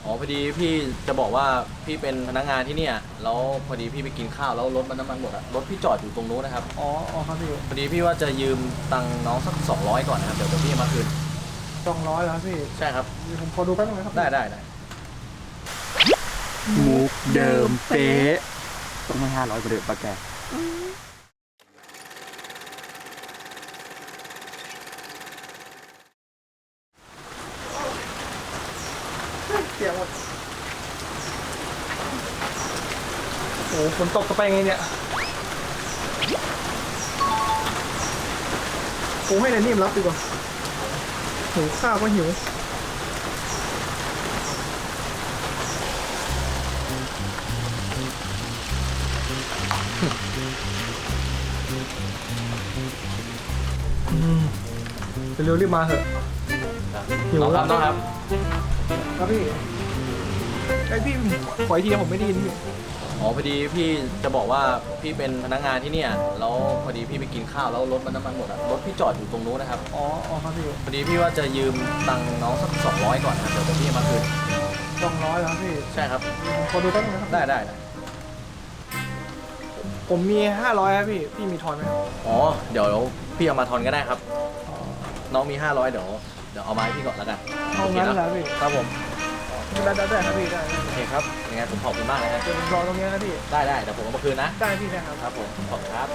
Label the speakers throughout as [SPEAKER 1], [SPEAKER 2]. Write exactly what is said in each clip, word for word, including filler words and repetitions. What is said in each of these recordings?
[SPEAKER 1] อพอดีพี่จะบอกว่าพี่เป็นพนักงานที่เนี่ยแล้วพอดีพี่ไปกินข้าวแล้วรถมันน้ำมันหมดอะรถพี่จอดอยู่ตรงนู้นนะครับ
[SPEAKER 2] อ๋ออ๋อครับพี่
[SPEAKER 1] พอดีพี่ว่าจะยืมตังค์น้องสักสองร้อยก่อนนะครับเดี๋ยวเดี๋ยวพี่มาคืน
[SPEAKER 2] สองร้อยแล้วพี่
[SPEAKER 1] ใช่ครับ
[SPEAKER 2] เดี๋ยวผมขอดูแป๊บนึงนะครับ
[SPEAKER 1] ได้ได้ได้
[SPEAKER 3] มุกเดิมเป๊ะต้องให้ห้าร้อยกว่าเดิมปะแก
[SPEAKER 2] เสียงหมดโอ้ฝนตกจะไปไงเนี่ยผมให้นายนิ่มรับดีกว่าหิวข้าวก็หิวเร็วๆรีบมาเถอะหิว
[SPEAKER 1] น้องค
[SPEAKER 2] แล้
[SPEAKER 1] รั
[SPEAKER 2] ว
[SPEAKER 1] บน้องครับ
[SPEAKER 2] ครับพี่ไอพี่ขออีกทีผมไม่ได้ยินพี่
[SPEAKER 1] อ๋อพอดีพี่จะบอกว่าพี่เป็นพนักงานที่เนี่ยแล้วพอดีพี่ไปกินข้าวแล้วรถมันน้ำมันหมดอะรถพี่จอดอยู่ตรงนู้นนะครับ
[SPEAKER 2] อ๋ออ๋อครับพี่
[SPEAKER 1] พอดีพี่ว่าจะยืมตังค์น้องสักสองร้อยก่อนนะครับเดี๋ยวเดี๋ยวพี่มาคืน
[SPEAKER 2] สองร้อยแล้วพี่
[SPEAKER 1] ใช่ครับ
[SPEAKER 2] ผมขอดูแป๊บนึงนะครับ
[SPEAKER 1] ได้ได้ได้
[SPEAKER 2] ผมมีห้าร้อยครับพี่พี่มีทอนไหมครับ
[SPEAKER 1] อ๋อเดี๋ยวพี่เอามาทอนก็ได้ครับน้องมีห้าร้อยเดี๋ยวเดี๋ยวเอามาให้พี่ก่อนแล้วกัน
[SPEAKER 2] เอางั้นเหรอพี่
[SPEAKER 1] ครับผม
[SPEAKER 2] ได้ได้ได้ครับพี่ได้
[SPEAKER 1] โอเคครับยังไงผมขอบคุณมากเลยนะ
[SPEAKER 2] เดี๋ยวผมรอตรงนี้นะพี่
[SPEAKER 1] ได้ได้เดี๋ยวผมเอามาคืนนะ
[SPEAKER 2] ได้พี่นะครับ
[SPEAKER 1] ครับผมขอบคุณครับ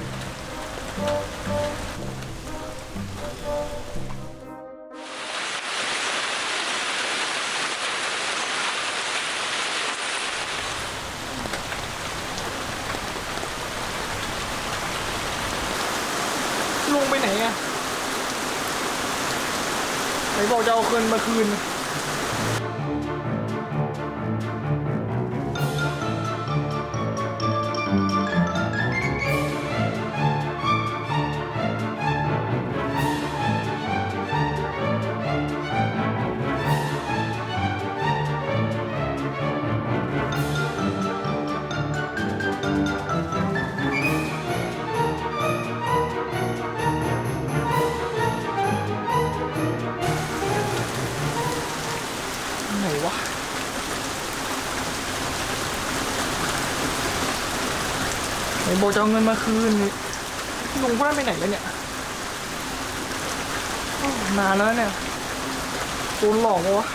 [SPEAKER 2] ลุงไปไหนอะไหนบอกจะเอาคืนมาคืนไหนวะไหนบอกจะเอาเงินมาคืนลุงพวกนั้นไปไหนแล้วเนี่ยนานแล้วเนี่ยโดนหลอกวะ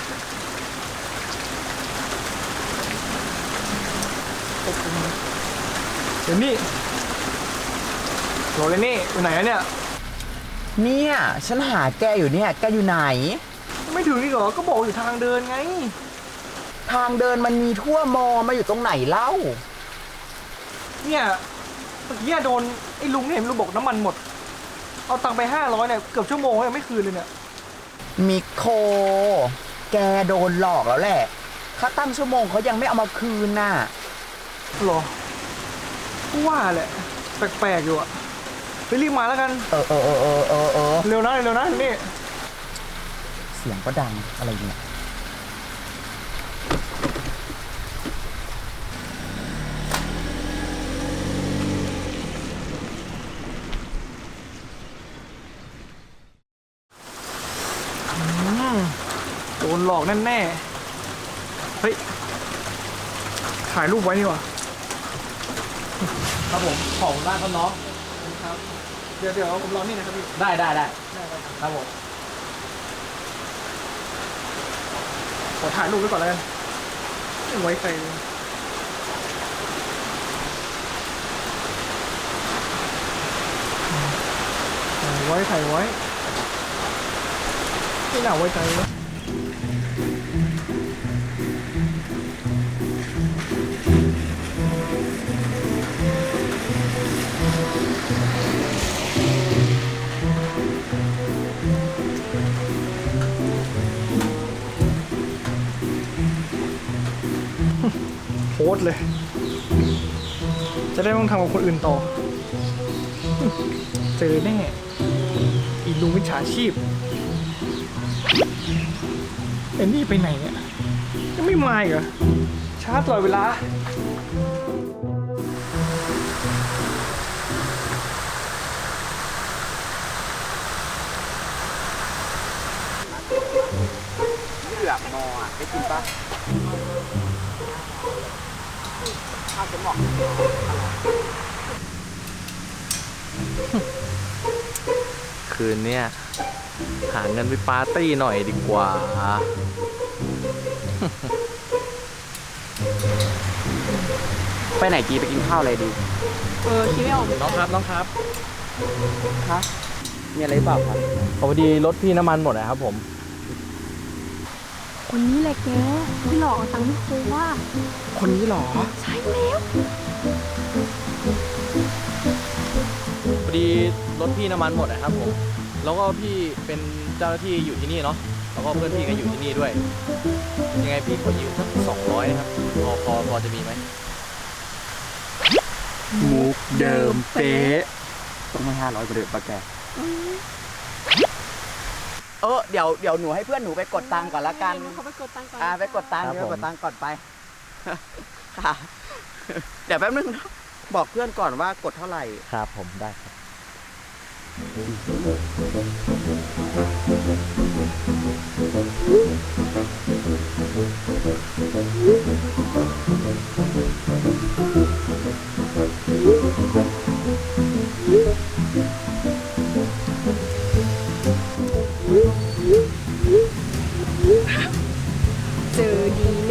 [SPEAKER 2] เดี๋ยวนี่โหลเลยนี่อยู่ไหนอะเนี่ย
[SPEAKER 3] เนี่ยฉันหาแกอยู่เนี่ยแกอยู่ไหน
[SPEAKER 2] ไม่ถึงนี่เหรอก็บอกอยู่ทางเดินไง
[SPEAKER 3] ทางเดินมันมีทั่วมอมาอยู่ตรงไหนเล่า
[SPEAKER 2] เนี่ยเมื่อกี้โดนไอ้ลุงเนี่ยลุงบอกน้ำมันหมดเอาตังค์ไปห้าร้อยเนี่ยเกือบชั่วโมงยังไม่คืนเลยเนี่ย
[SPEAKER 3] มิโคแกโดนหลอกแล้วแหละค่าตั้งชั่วโมงเขายังไม่เอามาคืนน่ะ
[SPEAKER 2] หรอว่าแหละแปลกๆอยู่อะไปรีบมาแล้วกัน
[SPEAKER 3] เออเออเออเออเออเออ
[SPEAKER 2] เร็วนะเร็วนะนี่
[SPEAKER 3] เสียงก็ดังอะไรเนี่ย
[SPEAKER 2] โดนหลอกแน่ๆเฮ้ยถ่ายรูปไว้นี่วะ
[SPEAKER 1] ครับผมขอบคุณมากครับน้อง
[SPEAKER 2] ครับเดี๋ยวเดี๋ยวผมรอนี่นะครับพี่
[SPEAKER 1] ได้ได้ได้
[SPEAKER 2] ได้ได้
[SPEAKER 1] ครับผม
[SPEAKER 2] ขอถ่ายรูปไว้ก่อนเลยไว้ใครไว้ถ่ายไว้ไม่น่าไว้ใจเลยโพสเลย จะได้ไม่ต้องทำกับคนอื่นต่อ เจอแน่อีลุงวิชาชีพเอ็นนี่ไปไหนเนี่ยยังไม่มาอีกเหรอช้าตลอดเวลา
[SPEAKER 3] เผือกมออ่ะได้กินปะข้าวจะเหมาะ
[SPEAKER 1] คืนเนี้ยหาเงินไปปาร์ตี้หน่อยดีกว่า
[SPEAKER 3] ไปไหนกีไปกินข้าวอะไรดี
[SPEAKER 4] เออคิดไม่ออก
[SPEAKER 1] น้องครับน้องครับ
[SPEAKER 3] คะมีอะไรหรือเปล่าครับ
[SPEAKER 1] พอดีรถพี่น้ำมันหมดนะครับผม
[SPEAKER 4] คนนี้แหละแกที่หลอกเอาตังค์พี่ครูว่า
[SPEAKER 3] คนนี้หรอ
[SPEAKER 4] ใช่แล้ว
[SPEAKER 1] พอดีรถพี่น้ำมันหมดนะครับผม แล้วก็พี่เป็นเจ้าหน้าที่อยู่ที่นี่เนาะ แล้วก็เพื่อนพี่ก็อยู่ที่นี่ด้วย ยังไงพี่ขอยืมสักสองร้อยนะครับ พอพอพอจะมีไหม
[SPEAKER 3] มุกเดิมเป๊ะต้องให้ห้าร้อยกว่าเดิมปะแก เออเดี๋ยวเดี๋ยวหนูให้เพื่อนหนูไปกดตังค์ก่อนละกัน
[SPEAKER 4] เขาไปกดตังค์ก่อน
[SPEAKER 3] อ่าไปกดตังค์
[SPEAKER 1] ครับ
[SPEAKER 3] เดี๋ยว
[SPEAKER 1] ผม
[SPEAKER 3] ไปกดตังค์ก่อนไป ค่ะ เดี๋ยวแป๊บนึงนะบอกเพื่อนก่อนว่ากดเท่าไหร่
[SPEAKER 1] ครับผมได้ครับ
[SPEAKER 4] เจอดีแน่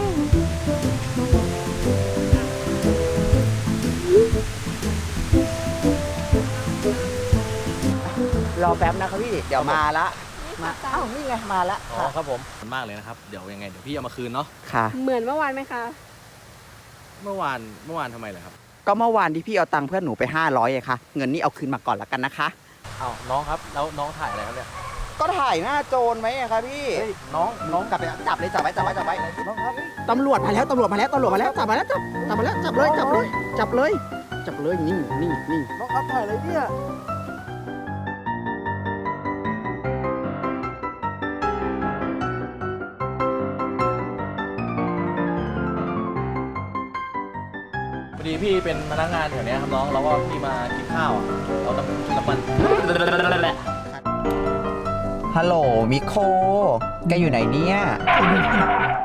[SPEAKER 3] รอแป๊บนะครับพี่ เดี๋ยวมาละ มาเอ้านี่ไงมาละ
[SPEAKER 1] อ๋อ
[SPEAKER 3] ค่ะ
[SPEAKER 1] ครับผมขอบคุณมากเลยนะครับ เดี๋ยวยังไงเดี๋ยวพี่เอามาคืนเนาะ
[SPEAKER 3] ค่ะ
[SPEAKER 4] เหมือนเมื่อวานไหมคะ
[SPEAKER 1] เมื่อวานเมื่อวานทำไมเหรอครับ
[SPEAKER 3] ก็เมื่อวานที่พี่เอาตังค์เพื่อนหนูไปห้าร้อยไงคะเงินนี่เอาคืนมาก่อนละกันนะคะ
[SPEAKER 1] อ้าวน้องครับ แล้วน้องถ่ายอะไรครับเนี่ย
[SPEAKER 3] ก็ถ่ายหน้าโจรไหมอะคะพี่
[SPEAKER 1] เฮ้ยน้องน้อง
[SPEAKER 3] กลับไปจับเลยจับไว้จับไว้จับไว้
[SPEAKER 1] น้องครับ
[SPEAKER 3] ตำรวจมาแล้วตำรวจมาแล้วตำรวจมาแล้วจับมาแล้วจับจับมาแล้วจับเลยจับเลยจับเลยจับเลยนี่นี่นี่
[SPEAKER 1] น้องครับถ่ายอะไรเนี่ย พอดีพี่เป็นพนักงานแถวเนี้ยครับน้องแล้วก็พี่มากินข้าวอ่ะเราต้องน้ำมัน
[SPEAKER 3] ฮัลโหลมิโคแกอยู่ไหนเนี่ย